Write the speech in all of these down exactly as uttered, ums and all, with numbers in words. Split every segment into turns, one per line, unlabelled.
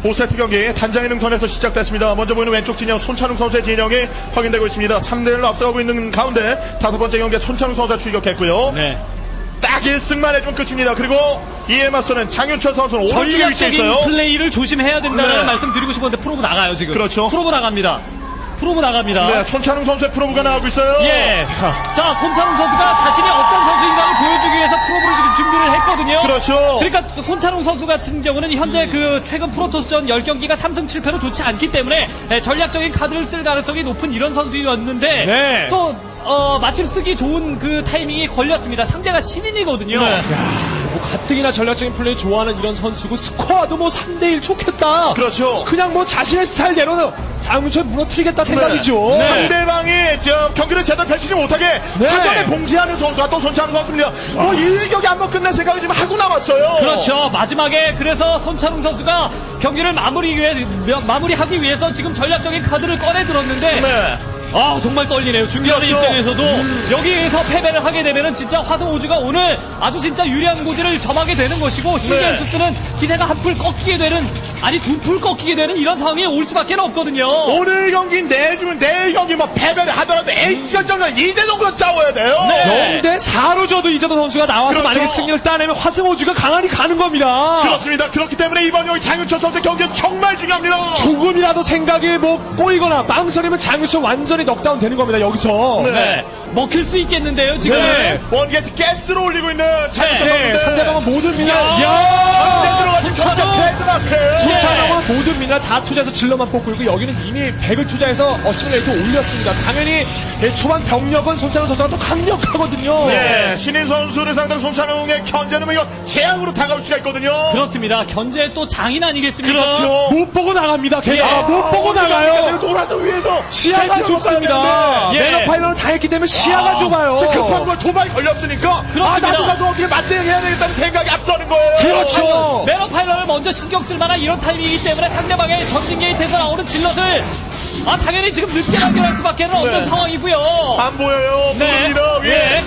오 세트 경기 단장의 능선에서 시작됐습니다. 먼저 보이는 왼쪽 진영 손찬웅 선수의 진영이 확인되고 있습니다. 삼 대 일로 앞서가고 있는 가운데 다섯 번째 경기에 손찬웅 선수가 출격했고요.
네.
딱 일 승만 해주면 끝입니다. 그리고 이에 맞서는 장윤철 선수는 오른쪽에 위치해 있어요.
전략적인 플레이를 조심해야 된다는
네.
말씀 드리고 싶었는데 프로브 나가요 지금.
그렇죠.
프로브 나갑니다. 프로브 나갑니다.
네, 손찬웅 선수의 프로브가 나오고 있어요.
예. 자, 손찬웅 선수가 자신이 어떤 선수인가를 보여주기 위해서 프로브를 지금 준비를 했거든요.
그렇죠.
그러니까 손찬웅 선수 같은 경우는 현재 음. 그 최근 프로토스전 십 경기가 삼 승 칠 패로 좋지 않기 때문에 네, 전략적인 카드를 쓸 가능성이 높은 이런 선수였는데
네.
또 어, 마침 쓰기 좋은 그 타이밍이 걸렸습니다. 상대가 신인이거든요.
네.
뭐 가뜩이나 전략적인 플레이 좋아하는 이런 선수고 스코어도 뭐 삼 대 일 좋겠다.
그렇죠.
그냥 뭐 자신의 스타일대로 장윤철 무너뜨리겠다 생각이죠.
네. 상대방이 저 경기를 제대로 펼치지 못하게
네.
사전에 봉쇄하는 선수가 또 손찬웅 선수입니다. 뭐 일 경기 한번 끝낼 생각을 지금 하고 남았어요.
그렇죠. 마지막에 그래서 손찬웅 선수가 경기를 마무리 위해, 마무리하기 위해서 지금 전략적인 카드를 꺼내 들었는데
네.
아 정말 떨리네요. 중계하는
그렇죠.
입장에서도 음. 여기에서 패배를 하게 되면은 진짜 화성우주가 오늘 아주 진짜 유리한 고지를 점하게 되는 것이고 신기한투스는 기세가 한 풀 꺾이게 되는 아니 두 풀 꺾이게 되는 이런 상황이 올 수밖에 없거든요.
오늘 경기 내주면 내일 경기 뭐 패배를 하더라도 에이씨 결정전 이 대 영으로 싸워야 돼요.
네.
영 대 사로 져도 이재도 선수가 나와서
그렇죠.
만약에 승리를 따내면 화승호주가 강한이 가는 겁니다.
그렇습니다. 그렇기 때문에 이번 경기 장윤철 선수 경기는 정말 중요합니다.
조금이라도 생각이 뭐 꼬이거나 망설이면 장윤철 완전히 넉다운 되는 겁니다. 여기서.
네.
네. 먹힐 수 있겠는데요 지금.
네.
원게이트 가스로 올리고 있는 장윤철
네.
선수인데
상대방은 모든 미나.
야.
야.
언제 들어가신 경기 트레이드마크.
손찬웅은 모든 미나 다 투자해서 질러만 뽑고 있고 여기는 이미 백을 투자해서 어시밀레이터 올렸습니다. 당연히 예, 초반 병력은 손찬웅 선수가 또 강력하거든요.
네, 신인 선수를 상대로 손찬웅의 견제는 뭐 이거 재앙으로 다가올 수가 있거든요.
그렇습니다. 견제 또 장인 아니겠습니까?
그렇죠.
못 보고 나갑니다. 걔가
예.
아, 못 보고 나가요.
돌아서 위에서
시야가
제일
좁습니다.
예.
매너 파일런을 다 했기 때문에 시야가 좁아요.
지금 급한 걸 도발이 걸렸으니까 아
그렇습니다.
나도 가서 어떻게 맞대응해야 되겠다는 생각이 앞서는 거예요.
그렇죠.
매너 파일런을 먼저 신경 쓸 만한 이런 타이밍이기 때문에 상대방의 전진 게이트에서 나오는 질럿을 아 당연히 지금 늦게 연결할 수밖에 없는
네.
상황이고요.
안 보여요.
네.
모릅니다. 위에.
네.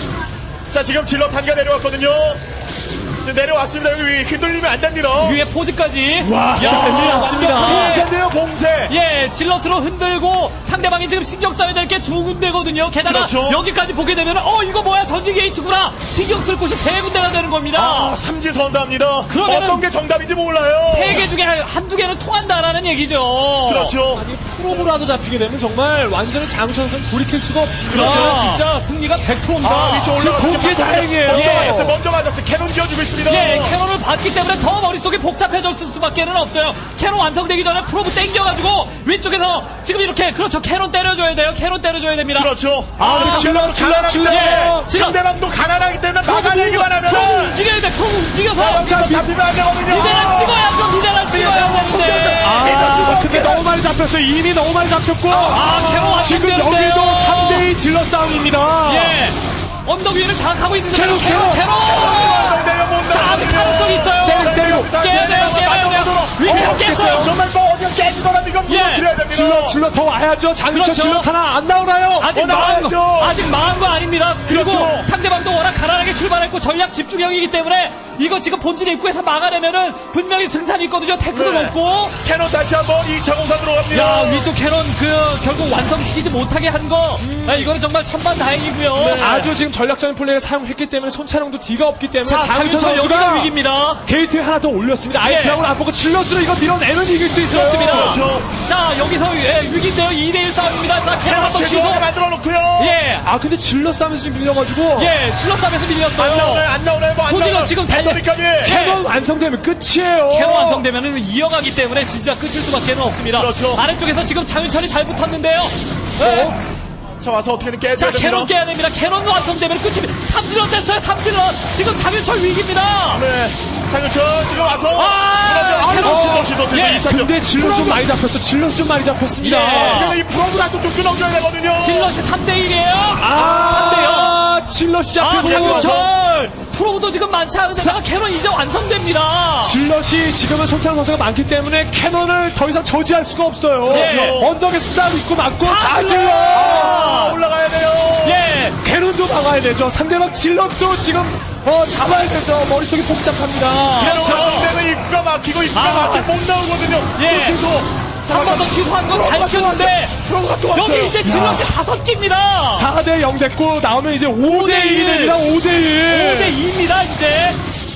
자 지금 질러 단가 내려왔거든요. 지금 내려왔습니다. 여기 위 휘둘리면 안 됩니다.
위에 포즈까지.
와, 난리 났습니다.
완벽하게.
봉쇄인데요, 봉쇄.
예, 질럿으로 흔들고 상대방이 지금 신경 써야 될 게 두 군데거든요. 게다가
그렇죠.
여기까지 보게 되면 어 이거 뭐야 전진 게이트구나. 신경 쓸 곳이 세 군데가 되는 겁니다.
아, 삼지선답니다.
그러면은
어떤 게 정답인지 몰라요.
세 개 중에 한- 한두 개는 통한다라는 얘기죠.
그렇죠.
아니 프로브라도 잡히게 되면 정말 완전히 장윤철 선수는 돌이킬 수가 없습니다.
그렇죠. 진짜 승리가 백 퍼센트입니다.
아, 위쪽
지금
올라가서
그게 다행이에요.
먼저
예.
맞았어요. 먼저 맞았어요. 캐논 지어주고 있습니다.
예, 캐논을 받기 때문에 더 머릿속이 복잡해졌을 수밖에 없어요. 캐논 완성되기 전에 프로브 땡겨가지고 위쪽에서 지금 이렇게 그렇죠. 캐논 때려줘야 돼요. 캐논 때려줘야 됩니다.
그렇죠.
아,
근데
질러, 질러,
가난하기
질러.
때문에
예, 질러.
상대방도 가난하기 때문에 막아내기만 하면
프로브 움직여야 돼. 프로브 움직여서
여기서 잡히면 안 되거든요.
미대랑 찍어야죠. 미대랑 찍어야 되는데.
아, 근데 너무 많이 잡혔어요. 이미 너무 많이 잡혔고.
아, 캐논
지금
완성되는데요.
여기도 삼 대 이 질러 싸움입니다.
예. 언덕 위를 장악하고 있는데
캐논,
캐논
캐논.
캐논. 자, 아직 가능성이 있어요.
때려, 때려.
깨야 돼요. 깨야 돼요. 위치
어,
깼어요.
정말 뭐 어디가 깨지더라도 이건
예.
무너뜨려야 됩니다.
질러, 질러 더 와야죠. 장윤철
그렇죠.
질러 하나 안 나오나요?
아직
어,
망한
나와야죠.
거, 아직 망한 거 아닙니다. 그리고
그렇죠.
상대방도 워낙 가난하게 출발했고 전략 집중형이기 때문에 이거 지금 본진 입구에서 막아내면은 분명히 승산이 있거든요. 태클도
네.
높고.
캐논 다시 한번 이 차 공사 들어갑니다.
야, 위쪽 캐논 그 결국 완성시키지 못하게 한 거. 아, 이거는 정말 천만다행이고요.
아주 지금 전략적인 플레이를 사용했기 때문에 손찬웅도 뒤가 없기 때문에
자,
장윤철
장윤철 여기가
선수가
위기입니다.
게이트에 하나 더 올렸습니다. 아예
예.
드라곤 안 보고 질러스로 이거 밀어내면 이길 수 있어요.
그렇습니다.
그렇죠.
자, 여기서 예, 위기인데요. 이 대 일 싸움입니다. 자, 캐논
캐논
한번 치고.
제대로 만들어 놓고요.
예.
아 근데 질러 싸움에서 좀 밀려가지고
예, 슬롯싸움에서
안
밀렸어요.
나오나요? 안 나오나요? 뭐안
소지가
나오나요?
지금 달려-
배터리까지.
캐논 완성되면 끝이에요.
캐논 완성되면 이어가기 때문에 진짜 끝일 수밖에 없습니다.
그렇죠.
아래쪽에서 지금 장윤철이 잘 붙었는데요. 네.
자 와서 어떻게든 깨야
자,
됩니다.
캐논 깨야 됩니다. 캐논 완성되면 끝입니다. 삼질럿 됐어요. 삼질럿. 지금 장윤철 위기입니다.
네. 장윤철 지금 와서.
아,
그러면
캐논.
아, 시도 시도
예,
이 차죠.
근데 질러 좀 많이 잡혔어. 질러 좀 많이 잡혔습니다.
예.
근데 이 프로그램도 좀 끊어줘야 되거든요.
질럿이 삼 대 일이에요.
아,
삼 대요.
질러
아,
시작하고
장윤철. 프로도 지금 많지 않은데 캐논 이제 완성됩니다.
질럿이 지금은 손창 선수가 많기 때문에 캐논을 더 이상 저지할 수가 없어요.
네.
언덕에 수다도 있고 맞고
다
다 질러.
질러.
아, 올라가야 돼요.
예.
캐논도 막아야 되죠. 상대방 질럿도 지금 어, 잡아야 되죠. 머릿속이 복잡합니다.
그렇죠.
상대는 입구가 막히고 입구가
아.
막히고 못 나오거든요.
예.
또 취소.
한 번 더 취소한 건 잘 시켰는데
프로가 또 왔어요.
여기 이제 질럿이 다섯 개입니다.
사 대 영 됐고 나오면 이제 오 대 일이 됩니다. 오 대 일.
오 대 이입니다 이제.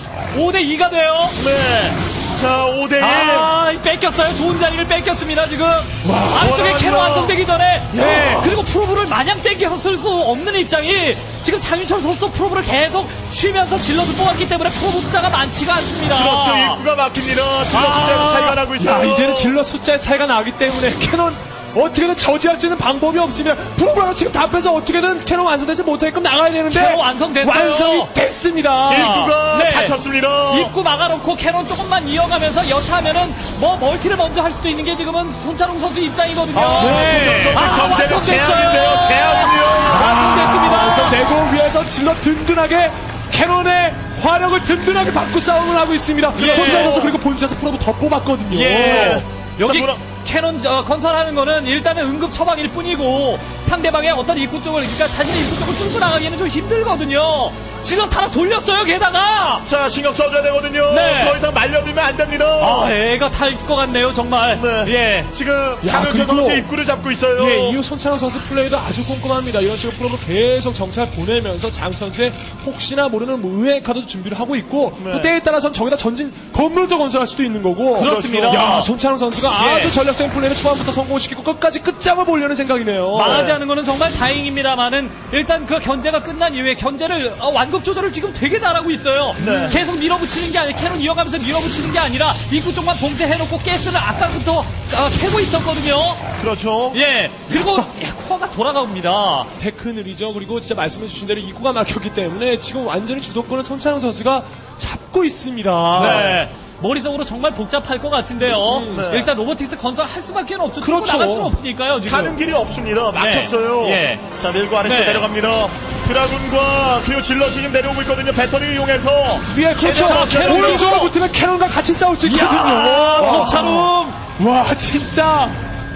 오 대 이가 돼요.
네. 자, 오 대 일.
아, 뺏겼어요. 좋은 자리를 뺏겼습니다, 지금. 안쪽에
원하는
캐논
거.
완성되기 전에. 네. 그리고 프로브를 마냥 땡겨서 쓸 수 없는 입장이 지금 장윤철 선수도 프로브를 계속 쉬면서 질럿을 뽑았기 때문에 프로브 숫자가 많지가 않습니다.
그렇죠. 입구가 막힙니다. 질럿
아.
숫자는 차이가 나고 있어요.
야, 이제는 질럿 숫자의 차이가 나기 때문에 캐논 어떻게든 저지할 수 있는 방법이 없으면 프로그램 지금 다 빼서 어떻게든 캐논 완성되지 못하게끔 나가야 되는데
캐논 완성됐어요.
완성이 됐습니다.
입구가
네.
닫혔습니다.
입구 막아놓고 캐논 조금만 이어가면서 여차하면은 뭐 멀티를 먼저 할 수도 있는 게 지금은 손찬웅 선수 입장이거든요.
네.
아,
경제력
완성됐어요.
제압인데요. 제압이요.
완성됐습니다.
완성되고 위에서 질럿 든든하게 캐논의 화력을 든든하게 받고 싸움을 하고 있습니다.
예.
손자 선수 그리고 본진에서 프로브 더 뽑았거든요.
예. 여기
자, 뭐라-
캐논 어, 건설하는 거는 일단은 응급 처방일 뿐이고 상대방의 어떤 입구 쪽을 그러니까 자신의 입구 쪽을 뚫고 나가기에는 좀 힘들거든요. 질럿 하나 돌렸어요 게다가.
자, 신경 써줘야 되거든요.
네.
더 이상 말려두면 안 됩니다.
아 애가 탈 것 같네요 정말.
네.
예.
지금
야,
장윤철
그리고-
선수 입구를 잡고 있어요.
예, 이후 손창호 선수 플레이도 아주 꼼꼼합니다. 이런 식으로 프로브 계속 정찰 보내면서 장 선수의 혹시나 모르는 뭐 의외의 카드도 준비를 하고 있고
네.
또 때에 따라서는 저기다 전진 건물도 건설할 수도 있는 거고
그렇습니다.
야, 손창호 선수가
예.
아주 전략적인 플레이를 초반부터 성공시키고 끝까지 끝장을 보려는 생각이네요.
망하지 않은 거는 정말 다행입니다만은 일단 그 견제가 끝난 이후에 견제를 어, 완급 조절을 지금 되게 잘하고 있어요.
네.
계속 밀어붙이는 게 아니라 캐논 이어가면서 밀어붙이는 게 아니라 입구 쪽만 봉쇄해놓고 가스를 아까부터 어, 캐고 있었거든요.
그렇죠.
예. 그리고 예, 코어가 돌아갑니다.
테크 느리죠. 그리고 진짜 말씀해주신 대로 입구가 막혔기 때문에 지금 완전히 주도권을 손창호 선수가 잡고 있습니다.
네. 머릿속으로 정말 복잡할 것 같은데요.
네.
일단 로보틱스 건설 할 수밖에 없죠. 뚫고
그렇죠.
나갈 수는 없으니까요. 지금.
가는 길이 없습니다. 막혔어요.
네. 예.
자, 밀고 아래쪽
네.
내려갑니다. 드라군과 그리고 질럿이 지금 내려오고 있거든요. 배터리 이용해서.
위에 그렇죠.
자, 캐논
오른쪽으로
쪽.
붙으면 캐논과 같이 싸울 수 있거든요.
아,
와.
손차룸.
와, 진짜.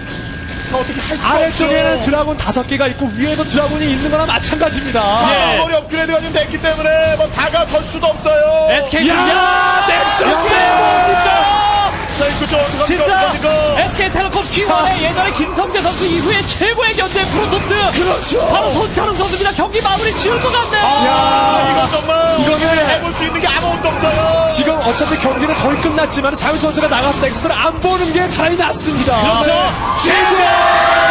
자, 어떻게 할 수가
아래쪽에는
없죠.
드라곤 다섯 개가 있고 위에도 드라곤이 있는 거나 마찬가지입니다.
예.
머리 업그레이드가 좀 됐기 때문에 뭐 다가설 수도 없어요.
에스케이
야,
야,
넥서스!
뭡니까?
자, 이거 좀 어떡합니까?
진짜
어떡합니까?
에스케이텔레콤 티원의 예전에 김성재 선수 이후에 최고의 견제 프로토스.
그렇죠.
바로 손차rum 선수입니다. 경기 마무리 지을 것 같네요.
야, 이거 정말
이거는-
해볼 수 있는 게 아무것도 없어요.
지금 어차피 경기는 거의 끝났지만 장윤 선수가 나가서 넥서스를 안 보는 게 차이 났습니다.
그렇죠.
지지!